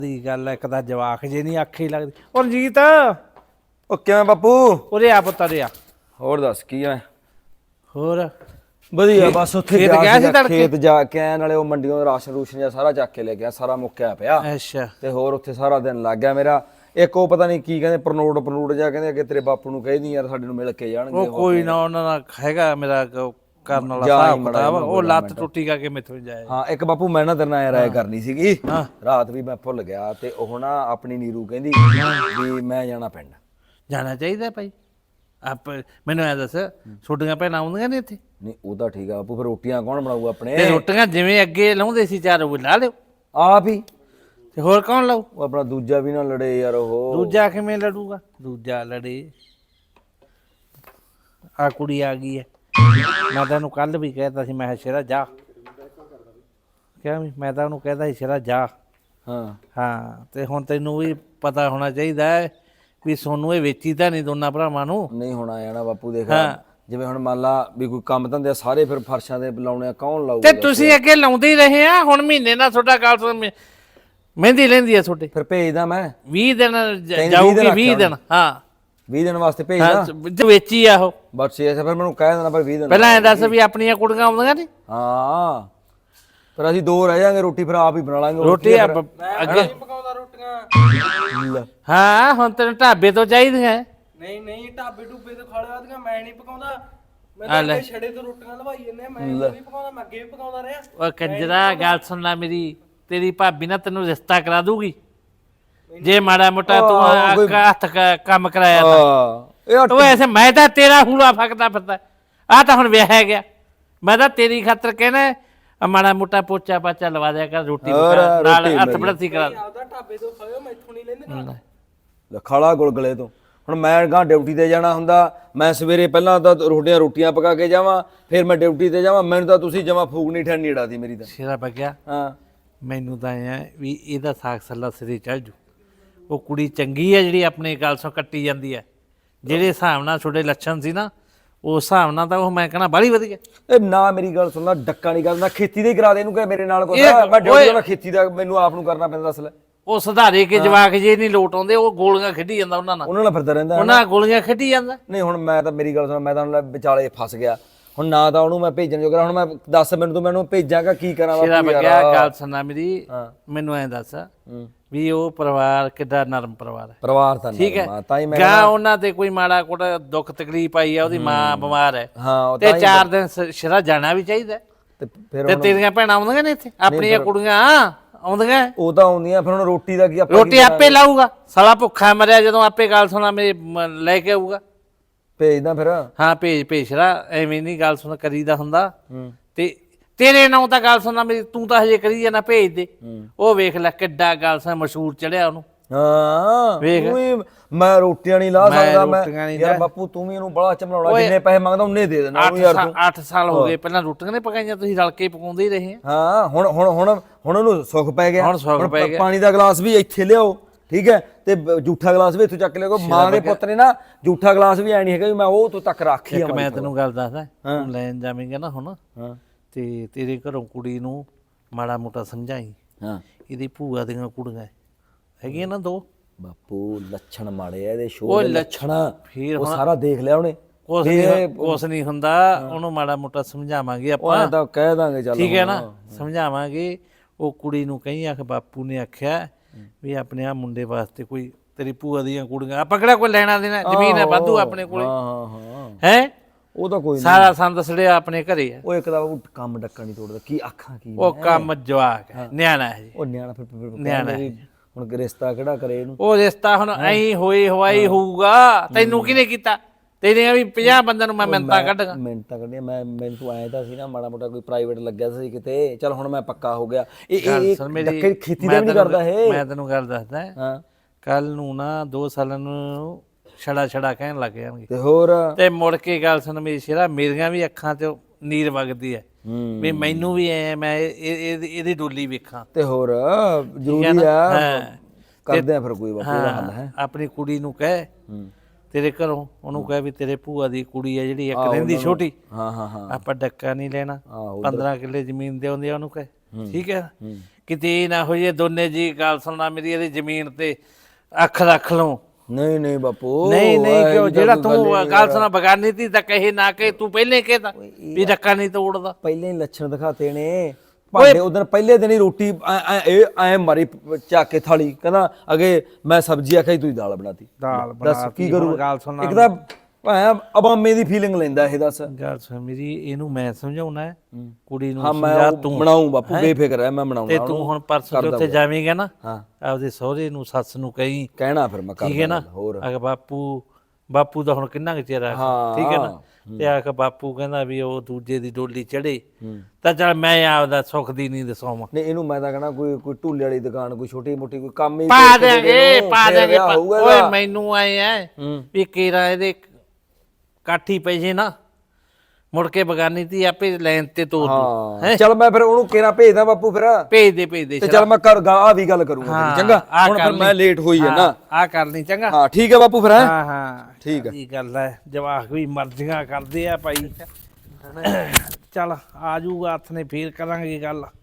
ਦੀ ਗੱਲ ਇੱਕ ਤਾਂ ਜਵਾਕ ਜੇ ਨਹੀਂ ਆਖੀ ਲੱਗਦੀ। ਉਹ ਰਣਜੀਤ ਉਹ ਕਿਵੇਂ ਬਾਪੂ? ਉਰੇ ਆ ਪੁੱਤ ਉਰੇ ਆ। ਹੋਰ ਦੱਸ ਕੀ ਆ? ਹੋਰ ਵਧੀਆ ਬਸ ਉੱਥੇ ਖੇਤ ਗਿਆ ਸੀ ਤੜਕੇ? ਖੇਤ ਜਾ ਕੇ ਆਇਆ, ਨਾਲੇ ਉਹ ਮੰਡੀਆਂ ਰਾਸ਼ਨ ਰੂਸ਼ਨ ਜਿਹਾ ਸਾਰਾ ਚੱਕ ਕੇ ਲੈ ਗਿਆ, ਸਾਰਾ ਮੁੱਕਿਆ ਪਿਆ। ਅੱਛਾ। ਤੇ ਹੋਰ ਉੱਥੇ ਸਾਰਾ ਦਿਨ ਲੱਗ ਗਿਆ ਮੇਰਾ। ਇੱਕ ਉਹ ਪਤਾ ਨਹੀਂ ਕੀ ਕਹਿੰਦੇ ਪਰਨੋਟ ਜਾ ਕਹਿੰਦੇ ਅੱਗੇ ਤੇਰੇ ਬਾਪੂ ਨੂੰ ਕਹਿਦੀ ਯਾਰ ਸਾਡੇ ਨੂੰ ਮਿਲ ਕੇ ਜਾਣਗੇ। ਉਹ ਕੋਈ ਨਾ, ਉਹਨਾਂ ਦਾ ਹੈਗਾ ਮੇਰਾ ਕਰਨ ਵਾਲਾ ਹਿਸਾਬ ਕਿਤਾਬ। ਉਹ ਲੱਤ ਟੁੱਟੀ ਕਰਕੇ ਮੈਥੋਂ ਜਾਏ। ਹਾਂ ਇੱਕ ਬਾਪੂ ਮੈਂ ਨਾ ਤੇਰੇ ਨਾਲ ਰਾਏ ਕਰਨੀ ਸੀਗੀ, ਰਾਤ ਵੀ ਮੈਂ ਭੁੱਲ ਗਿਆ। ਤੇ ਉਹ ਨਾ ਆਪਣੀ ਨੀਰੂ ਕਹਿੰਦੀ ਵੀ ਮੈਂ ਜਾਣਾ ਪਿੰਡ। ਜਾਣਾ ਚਾਹੀਦਾ ਭਾਈ। ਆਪ ਮੈਨੂੰ ਐ ਦੱਸ, ਛੋਟੀਆਂ ਭੈਣਾਂ ਆਉਂਦੀਆਂ ਨੇ ਇੱਥੇ? ਨਹੀਂ ਉਹ ਤਾਂ ਠੀਕ ਆ ਬਾਪੂ, ਫਿਰ ਰੋਟੀਆਂ ਕੌਣ ਬਣਾਊਗਾ ਆਪਣੇ? ਤੇ ਰੋਟੀਆਂ ਜਿਵੇਂ ਅੱਗੇ ਲਾਉਂਦੇ ਸੀ ਚਾਰ ਉਹ ਲਾ ਲਿਓ ਆਪ ਹੀ। ਤੇ ਹੋਰ ਕੌਣ ਲਾਊ? ਉਹ ਆਪਣਾ ਦੂਜਾ ਵੀ ਨਾ ਲੜੇ ਯਾਰ। ਉਹ ਦੂਜਾ ਕਿਵੇਂ ਲੜੂਗਾ? ਦੂਜਾ ਲੜੇ। ਆ ਕੁੜੀ ਆ ਗਈ ਹੈ। ਮੈਂ ਤਾਂ ਉਹਨੂੰ ਕੱਲ ਵੀ ਕਹਿਤਾ ਸੀ, ਮੈਂ ਕਿਹਾ ਸ਼ੇਰਾ ਜਾ। ਕਿਹਾ ਵੀ ਮੈਂ ਤਾਂ ਉਹਨੂੰ ਕਹਿਤਾ ਸੀ ਸ਼ੇਰਾ ਜਾ। ਹਾਂ ਤੇ ਹੁਣ ਤੈਨੂੰ ਵੀ ਪਤਾ ਹੋਣਾ ਚਾਹੀਦਾ ਹੈ ਵੀ ਸੋਨੂੰ ਇਹ ਵੇਚੀ ਤਾਂ ਨਹੀਂ ਦੋਨਾਂ ਭਰਾਵਾਂ ਨੂੰ। ਨਹੀਂ ਹੋਣਾ ਜਾਣਾ ਬਾਪੂ। ਦੇਖ ਜਿਵੇਂ ਹੁਣ ਮੰਨ ਲਾ ਵੀ ਕੋਈ ਕੰਮ ਧੰਦੇ ਸਾਰੇ ਫਿਰ ਫਰਸ਼ਾਂ ਦੇ ਲਾਉਣੇ ਆ, ਕੌਣ ਲਾਊਗਾ? ਤੇ ਤੁਸੀਂ ਅੱਗੇ ਲਾਉਂਦੇ ਹੀ ਰਹੇ ਆ। ਹੁਣ ਮਹੀਨੇ ਨਾਲ ਤੁਹਾਡਾ ਗੱਲ ਮਹਿੰਦੀ ਲੈਂਦੀ ਆ ਤੁਹਾਡੇ। ਫਿਰ ਭੇਜਦਾ ਮੈਂ 20 ਦਿਨ ਜਾਊਗੀ। 20 ਦਿਨ। ਹਾਂ 20 ਦਿਨ ਵਾਸਤੇ ਭੇਜਦਾ। ਵੇਚੀ ਆ ਉਹ ਬਸ ਇਹ ਫਿਰ ਮੈਨੂੰ ਕਹਿ ਦੇਣਾ ਪਰ 20 ਦਿਨ ਪਹਿਲਾਂ ਐ ਦੱਸ ਵੀ ਆਪਣੀਆਂ ਕੁੜੀਆਂ ਆਉਂਦੀਆਂ ਨੇ? ਹਾਂ ਫਿਰ ਅਸੀਂ ਦੋ ਰਹਿ ਜਾਾਂਗੇ, ਰੋਟੀ ਫਿਰ ਆਪ ਹੀ ਬਣਾ ਲਾਂਗੇ। ਰੋਟੀ ਅੱਗੇ ਪਕਾਉਂਦਾ ਰੋਟੀਆਂ। ਹਾਂ ਹੁਣ ਤੈਨੂੰ ਢਾਬੇ ਤੋਂ ਚਾਹੀਦੀਆਂ? ਨਹੀਂ ਢਾਬੇ ਢੂਬੇ ਤੋਂ ਖਾ ਲਿਆ ਦੀਆਂ, ਮੈਂ ਨਹੀਂ ਪਕਾਉਂਦਾ। ਮੈਂ ਤਾਂ ਛੜੇ ਤੋਂ ਰੋਟੀਆਂ ਲਵਾਈ ਜੰਨੇ, ਮੈਂ ਨਹੀਂ ਪਕਾਉਂਦਾ। ਮੈਂ ਅੱਗੇ ਵੀ ਪਕਾਉਂਦਾ ਰਿਹਾ। ਉਹ ਕੰਜਰਾ ਗੱਲ ਸੁਣ ਲੈ ਮੇਰੀ, ਤੇਰੀ ਭਾਬੀ ਨਾ ਤੈਨੂੰ ਰਿਸ਼ਤਾ ਕਰਾ ਦੂਗੀ ਜੇ ਮਾੜਾ ਮੋਟਾ ਤੂੰ ਹੱਥ ਕੰਮ ਕਰਾਇਆ ਤਾਂ। ਤੂੰ ਐਸੇ ਮੈਂ ਤਾਂ ਤੇਰਾ ਹੂਲਾ ਫੱਕਦਾ ਫਿਰਦਾ। ਆਹ ਤਾਂ ਹੁਣ ਵਿਆਹਿਆ ਗਿਆ। ਮੈਂ ਤਾਂ ਤੇਰੀ ਖਾਤਰ ਕਹਿਣਾ ਮਾੜਾ ਮੋਟਾ ਪੋਚਾ ਪਾਚਾ ਲਵਾ ਦਿਆ ਕਰ, ਰੋਟੀ ਨਾਲ ਹੱਥ ਬੜਤੀ ਕਰਾ। ਆਪਦਾ ਢਾਬੇ ਤੋਂ ਖਾਓ, ਮੈਥੋਂ ਨਹੀਂ ਲੈਂਦੇ। ਖਾਲਾ ਗੁਲਗਲੇ ਤੋਂ। ਹੁਣ ਮੈਂ ਗਾਂ ਡਿਊਟੀ ਤੇ ਜਾਣਾ ਹੁੰਦਾ, ਮੈਂ ਸਵੇਰੇ ਪਹਿਲਾਂ ਤਾਂ ਰੋਟੀਆਂ ਪਕਾ ਕੇ ਜਾਵਾਂ, ਫਿਰ ਮੈਂ ਡਿਊਟੀ ਤੇ ਜਾਵਾਂ। ਮੈਨੂੰ ਤਾਂ ਤੁਸੀਂ ਜਮਾ ਫੂਕ ਨਹੀਂ ਠੰਡੀ ਢਾਦੀ ਮੇਰੀ ਤਾਂ। ਸ਼ੇਰਾ ਬਗਿਆ ਹਾਂ ਮੈਨੂੰ ਤਾਂ ਐ ਵੀ ਇਹਦਾ ਸਾਗ ਸੱਲਾ ਸਿਰੇ ਚੜ ਜੂ। ਉਹ ਕੁੜੀ ਚੰਗੀ ਹੈ ਜਿਹੜੀ ਆਪਣੇ ਗੱਲ ਸੋਂ ਕੱਟੀ ਜਾਂਦੀ ਹੈ। ਜਿਹੜੇ ਹਿਸਾਬ ਨਾਲ ਤੁਹਾਡੇ ਲੱਛਣ ਸੀ ਨਾ, ਉਸ ਹਿਸਾਬ ਨਾਲ ਤਾਂ ਉਹ ਮੈਂ ਕਹਿਣਾ ਬਾਹਲੀ ਵਧੀਆ। ਇਹ ਨਾ ਮੇਰੀ ਗੱਲ ਸੁਣਦਾ, ਡੱਕਾ ਨਹੀਂ ਕਰਦਾ, ਖੇਤੀ ਦੇ ਕਰਾ ਦੇ ਇਹਨੂੰ। ਕਿ ਮੇਰੇ ਨਾਲ ਕੋਈ ਮੈਂ ਡਿਊਟੀ ਦਾ ਖੇਤੀ ਦਾ ਮੈਨੂੰ ਆਪ ਨੂੰ ਕਰਨਾ ਪੈਂਦਾ। ਦੱਸ ਲੈ ਉਹ ਸੁਧਾਰੇ ਕੇ ਜਵਾਕ ਜੇ ਨਹੀਂ ਲੋਟ ਆਉਂਦੇ, ਉਹ ਗੋਲੀਆਂ ਖੇਡੀ ਜਾਂਦਾ ਉਹਨਾਂ ਨਾਲ ਫਿਰਦਾ ਰਹਿੰਦਾ। ਉਹਨਾਂ ਗੋਲੀਆਂ ਖੇਡੀ ਜਾਂਦਾ। ਨਹੀਂ ਹੁਣ ਮੈਂ ਤਾਂ ਮੇਰੀ ਗੱਲ ਸੁਣ, ਮੈਂ ਤਾਂ ਵਿਚਾਲੇ ਫਸ ਗਿਆ ਹੁਣ। ਨਾ ਤਾਂ ਉਹਨੂੰ ਮੈਂ ਭੇਜਣ ਜੋਗਾ। ਹੁਣ ਮੈਂ ਦੱਸ ਮੈਨੂੰ ਤੂੰ ਮੈਨੂੰ ਭੇਜਾਂਗਾ ਕੀ ਕਰਾਂ? ਗੱਲ ਸੁਣਨਾ ਮੇਰੀ, ਮੈਨੂੰ ਐਂ ਦੱਸ ਵੀ ਉਹ ਪਰਿਵਾਰ ਕਿੱਡਾ ਨਰਮ ਪਰਿਵਾਰ ਹੈ? ਪਰਿਵਾਰ ਤਾਂ ਠੀਕ ਹੈ। ਗਾ ਉਹਨਾਂ ਤੇ ਕੋਈ ਮਾੜਾ ਕੋਟਾ ਦੁੱਖ ਤਕਲੀਫ ਆਈ ਆ, ਉਹਦੀ ਮਾਂ ਬਿਮਾਰ ਹੈ ਤੇ 4 ਦਿਨ ਸ਼ਰਾ ਜਾਣਾ ਵੀ ਚਾਹੀਦਾ। ਤੇ ਤੇਰੀਆਂ ਭੈਣਾਂ ਆਉਂਦੀਆਂ ਨੇ ਇੱਥੇ, ਆਪਣੀਆਂ ਕੁੜੀਆਂ ਆਉਂਦੀਆਂ? ਉਹ ਤਾਂ ਆਉਂਦੀਆਂ। ਫਿਰ ਹੁਣ ਰੋਟੀ ਦਾ ਕੀ? ਰੋਟੀ ਆਪੇ ਲਾਊਗਾ ਸਾਲਾ, ਭੁੱਖਾ ਮਰਿਆ ਜਦੋਂ ਆਪੇ ਗੱਲ ਸੁਣਾ ਮੇਰੇ ਲੈ ਕੇ ਆਊਗਾ। ਭੇਜਦਾ ਫਿਰ। ਹਾਂ ਭੇਜ ਸ਼ਰਾ, ਐਵੇਂ ਨਹੀਂ ਗੱਲ ਸੁਣ ਕਰੀਦਾ ਹੁੰਦਾ। ਤੇ ਤੇਰੇ ਨਾਂ ਤਾਂ ਗੱਲ ਸੁਣਨਾ ਮੇਰੀ, ਤੂੰ ਤਾਂ ਹਜੇ ਕਰੀ ਜਾਣਾ ਭੇਜ ਦੇ। ਉਹ ਵੇਖ ਲੈ ਕਿੱਡਾ ਗੱਲ ਸੁਣ ਮਸ਼ਹੂਰ ਚੜਿਆ ਉਹਨੂੰ। ਹਾਂ ਵੇਖ ਮੈਂ ਰੋਟੀਆਂ ਨਹੀਂ ਲਾ ਸਕਦਾ। ਮੈਂ ਯਾਰ ਬਾਪੂ ਤੂੰ ਵੀ ਇਹਨੂੰ ਬੜਾ ਚਮਲਾਉਣਾ, ਜਿੰਨੇ ਪੈਸੇ ਮੰਗਦਾ ਉਹਨੇ ਦੇ ਦੇਣਾ ਯਾਰ ਤੂੰ। 8 ਸਾਲ ਹੋ ਗਏ ਪਹਿਲਾਂ ਰੋਟੀਆਂ ਨੇ ਪਕਾਈਆਂ, ਤੁਸੀਂ ਰਲ ਕੇ ਪਕਾਉਂਦੇ ਹੀ ਰਹੇ। ਹਾਂ ਹੁਣ ਉਹਨੂੰ ਸੁੱਖ ਪੈ ਗਿਆ। ਪਾਣੀ ਦਾ ਗਲਾਸ ਵੀ ਇੱਥੇ ਲਿਆਓ, ਠੀਕ ਹੈ, ਤੇ ਜੂਠਾ ਗਲਾਸ ਵੀ ਇੱਥੋਂ ਚੱਕ ਲਿਆਓ। ਮਾਂ ਦੇ ਪੁੱਤ ਨੇ ਨਾ ਜੂਠਾ ਗਲਾਸ ਵੀ ਐ ਨਹੀਂ ਹੈਗਾ ਵੀ ਮੈਂ ਉਹ ਤੋਂ ਤੱਕ ਰੱਖੀ ਆ। ਮੈਂ ਤੈਨੂੰ ਗੱਲ ਦੱਸਦਾ, ਤੂੰ ਲੈਣ ਜਾਵੇਂਗਾ ਨਾ ਹੁਣ ਤੇ ਤੇਰੇ ਘਰੋਂ ਕੁੜੀ ਨੂੰ ਮਾੜਾ ਮੋਟਾ ਸਮਝਾਈ। ਇਹਦੀ ਭੂਆ ਦੀਆਂ ਕੁੜੀਆਂ ਹੈਗੀਆਂ ਨਾ 2। ਬਾਪੂ ਲੱਛਣ ਮਾੜੇ ਆ ਇਹਦੇ, ਸ਼ੋਅ ਦੇ ਲੱਛਣ। ਫਿਰ ਉਹ ਸਾਰਾ ਦੇਖ ਲਿਆ ਉਹਨੇ। ਕੁਛ ਨਹੀਂ ਹੁੰਦਾ, ਉਹਨੂੰ ਮਾੜਾ ਮੋਟਾ ਸਮਝਾਵਾਂਗੇ ਆਪਾਂ। ਤਾਂ ਕਹਿ ਦਾਂਗੇ ਚੱਲ, ਠੀਕ ਹੈ ਨਾ, ਸਮਝਾਵਾਂਗੇ। ਉਹ ਕੁੜੀ ਨੂੰ ਕਹੀਂ ਆਖ ਬਾਪੂ ਨੇ ਆਖਿਆ ਵੀ ਆਪਣੇ ਆ ਮੁੰਡੇ ਵਾਸਤੇ ਕੋਈ ਤੇਰੀ ਭੂਆ ਦੀਆਂ ਕੁੜੀਆਂ, ਆਪਾਂ ਕਿਹੜਾ ਕੋਈ ਲੈਣਾ ਦੇਣਾ, ਜ਼ਮੀਨ ਹੈ ਵਾਧੂ ਆਪਣੇ ਕੋਲੇ ਹੈ। ਉਹ ਤਾਂ ਕੋਈ ਸਾਰਾ ਸੰਦ ਸੜਿਆ ਆਪਣੇ ਘਰੇ ਹੈ। ਉਹ ਇੱਕ ਤਾਂ ਕੰਮ ਡੱਕਾ ਨਹੀਂ ਤੋੜਦਾ। ਕੀ ਆਖਾਂ ਕੀ? ਉਹ ਕੰਮ ਜਵਾਕ ਹੈ, ਨਿਆਣਾ ਹੈ ਜੀ। ਉਹ ਨਿਆਣਾ ਫਿਰ ਨਿਆਣਾ ਹੁਣ ਰਿਸ਼ਤਾ ਕਿਹੜਾ ਕਰੇ ਇਹਨੂੰ? ਉਹ ਰਿਸ਼ਤਾ ਹੁਣ ਐਂ ਹੋਏ ਹਵਾਈ ਹੋਊਗਾ। ਤੈਨੂੰ ਕਿਹਨੇ ਕੀਤਾ? ਤੇਰੀਆਂ ਵੀ 50 ਬੰਦਿਆਂ ਨੂੰ ਮੈਂ ਮਿੰਤਾਂ ਕੱਢਾਂ। ਮਿੰਤਾਂ ਕੱਢੀਆਂ ਮੈਨੂੰ ਤੂੰ ਆਇਆ ਤਾਂ ਸੀ ਨਾ ਮਾੜਾ ਮੋਟਾ ਕੋਈ ਪ੍ਰਾਈਵੇਟ ਲੱਗਿਆ ਸੀ ਕਿਤੇ। ਚੱਲ ਹੁਣ ਮੈਂ ਪੱਕਾ ਹੋ ਗਿਆ। ਇਹ ਖੇਤੀ ਦਾ ਵੀ ਨਹੀਂ ਕਰਦਾ ਇਹ। ਮੈਂ ਤੈਨੂੰ ਗੱਲ ਦੱਸਦਾ, ਕੱਲ ਨੂੰ ਨਾ 2 ਸਾਲਾਂ ਨੂੰ ਛੜਾ ਕਹਿਣ ਲੱਗ ਜਾਣਗੇ। ਤੇ ਹੋਰ ਤੇ ਮੁੜ ਕੇ ਗੱਲ ਸੁਣ ਮੇਰੀ ਸ਼ੇਰਾ, ਮੇਰੀਆਂ ਵੀ ਅੱਖਾਂ 'ਚ ਨੀਰ ਵਗਦੀ ਹੈ ਵੀ ਮੈਨੂੰ ਵੀ ਐ ਮੈਂ ਇਹਦੀ ਡੋਲੀ ਵੇਖਾਂ। ਤੇ ਹੋਰ ਜ਼ਰੂਰੀ ਆ, ਕਰਦੇ ਆ ਫਿਰ ਕੋਈ ਹੱਲ ਹੈ। ਆਪਣੀ ਕੁੜੀ ਨੂੰ ਕਹਿ ਤੇਰੇ ਘਰੋਂ, ਉਹਨੂੰ ਕਹਿ ਵੀ ਤੇਰੇ ਭੂਆ ਦੀ ਕੁੜੀ ਹੈ ਜਿਹੜੀ ਇੱਕ ਦਿਨ ਦੀ ਛੋਟੀ, ਆਪਾਂ ਡੱਕਾ ਨਹੀਂ ਲੈਣਾ। 15 ਕਿੱਲੇ ਜ਼ਮੀਨ ਦੇ ਆਉਂਦੇ ਆ, ਉਹਨੂੰ ਕਹਿ। ਠੀਕ ਹੈ, ਕਿਤੇ ਇਹ ਨਾ ਹੋ ਜੇ ਦੋਨੇ ਜੀ ਗੱਲ ਸੁਣਨਾ ਮੇਰੀ ਇਹਦੀ ਜ਼ਮੀਨ ਤੇ ਅੱਖ ਰੱਖ ਲਓ। ਨਹੀਂ ਬਾਪੂ ਨਹੀਂ ਕਿਉਂ ਜਿਹੜਾ ਤੂੰ ਗੱਲ ਸੁਣਾ ਬਗਾਨੀ ਤੀ ਤਾਂ ਕਹੇ ਨਾ ਕਹੇ ਤੂੰ ਪਹਿਲੇ ਕਹਿਦਾ ਵੀ ਡੱਕਾ ਨਹੀਂ ਤੋੜਦਾ। ਪਹਿਲੇ ਹੀ ਲੱਛਣ ਦਿਖਾਤੇ ਨੇ ਭਾਂਡੇ ਉਦੋਂ ਪਹਿਲੇ ਦਿਨ ਹੀ ਰੋਟੀ ਐ ਮਾਰੀ ਚੱਕ ਕੇ ਥਾਲੀ ਕਹਿੰਦਾ ਅਗੇ ਮੈਂ ਸਬਜ਼ੀ ਆਖਾਈ ਤੂੰ ਦਾਲ ਬਣਾਤੀ। ਦਾਲ ਦੱਸ ਕੀ ਕਰੂ ਗੱਲ ਸੁਣਾ ਇੱਕ ਤਾਂ ਭਾਇਆ ਅਬਾਮੇ ਦੀ ਫੀਲਿੰਗ ਲੈਂਦਾ ਇਹ ਦੱਸ ਗੱਲ ਸੁਣ ਮੇਰੀ ਇਹਨੂੰ ਮੈਂ ਸਮਝਾਉਣਾ ਹੈ ਕੁੜੀ ਨੂੰ ਹਾਂ ਮੈਂ ਸਮਝਾ ਤੂੰ ਬਣਾਉਂ ਬਾਪੂ ਬੇਫਿਕਰ ਹੈ ਮੈਂ ਬਣਾਉਣਾ ਤੇ ਤੂੰ ਹੁਣ ਪਰਸੋਂ ਉੱਥੇ ਜਾਵੇਂਗਾ ਨਾ ਹਾਂ ਆਪਦੇ ਸਹੁਰੇ ਨੂੰ ਸੱਸ ਨੂੰ ਕਹੀਂ ਕਹਿਣਾ ਫਿਰ ਮੈਂ ਠੀਕ ਹੈ ਨਾ ਅਗ ਬਾਪੂ ਦਾ ਹੁਣ ਕਿੰਨਾ ਕੁ ਚਿਰ ਆ ਠੀਕ ਹੈ ਨਾ ਤੇ ਆਖ ਬਾਪੂ ਕਹਿੰਦਾ ਵੀ ਉਹ ਦੂਜੇ ਦੀ ਡੋਲੀ ਚੜੇ ਤਾਂ ਚੱਲ ਮੈਂ ਆਪਦਾ ਸੁੱਖ ਦੀ ਨੀਂਦ ਸੌਵਾਂ। ਨਹੀਂ ਇਹਨੂੰ ਮੈਂ ਤਾਂ ਕਹਣਾ ਕੋਈ ਢੂਲੇ ਵਾਲੀ ਦੁਕਾਨ ਕੋਈ ਛੋਟੀ ਮੋਟੀ ਕੋਈ ਕੰਮ ਹੀ ਪਾ ਦੇਗੇ ਓਏ ਮੈਨੂੰ ਆਏ ਐ ਵੀ ਕੇਰਾ ਇਹਦੇ ਕਾਠੀ ਪੈ ਜੇ ਨਾ ਮੁੜ ਕੇ ਬਗਾਨੀ ਤੀ ਆਪੇ ਲੈਣ ਤੇ ਤੋਰ ਦੂ। ਚੱਲ ਮੈਂ ਫਿਰ ਉਹਨੂੰ ਕੇਰਾ ਭੇਜਦਾ ਬਾਪੂ ਫਿਰ ਭੇਜ ਦੇ ਤੇ ਚੱਲ ਮੈਂ ਆ ਵੀ ਗੱਲ ਕਰੂੰਗਾ ਚੰਗਾ ਹੁਣ ਫਿਰ ਮੈਂ ਲੇਟ ਹੋਈ ਹੈ ਨਾ ਆ ਕਰ ਲਈ ਚੰਗਾ। ਹਾਂ ਠੀਕ ਹੈ ਬਾਪੂ ਫਿਰ ਹਾਂ ਠੀਕ ਹੈ ਇਹ ਗੱਲ ਹੈ ਜਵਾਕ ਵੀ ਮਰਜ਼ੀਆਂ ਕਰਦੇ ਆ ਭਾਈ ਚੱਲ ਆ ਜੂਗਾ ਹੱਥ ਨੇ ਫੇਰ ਕਰਾਂਗੇ ਗੱਲ।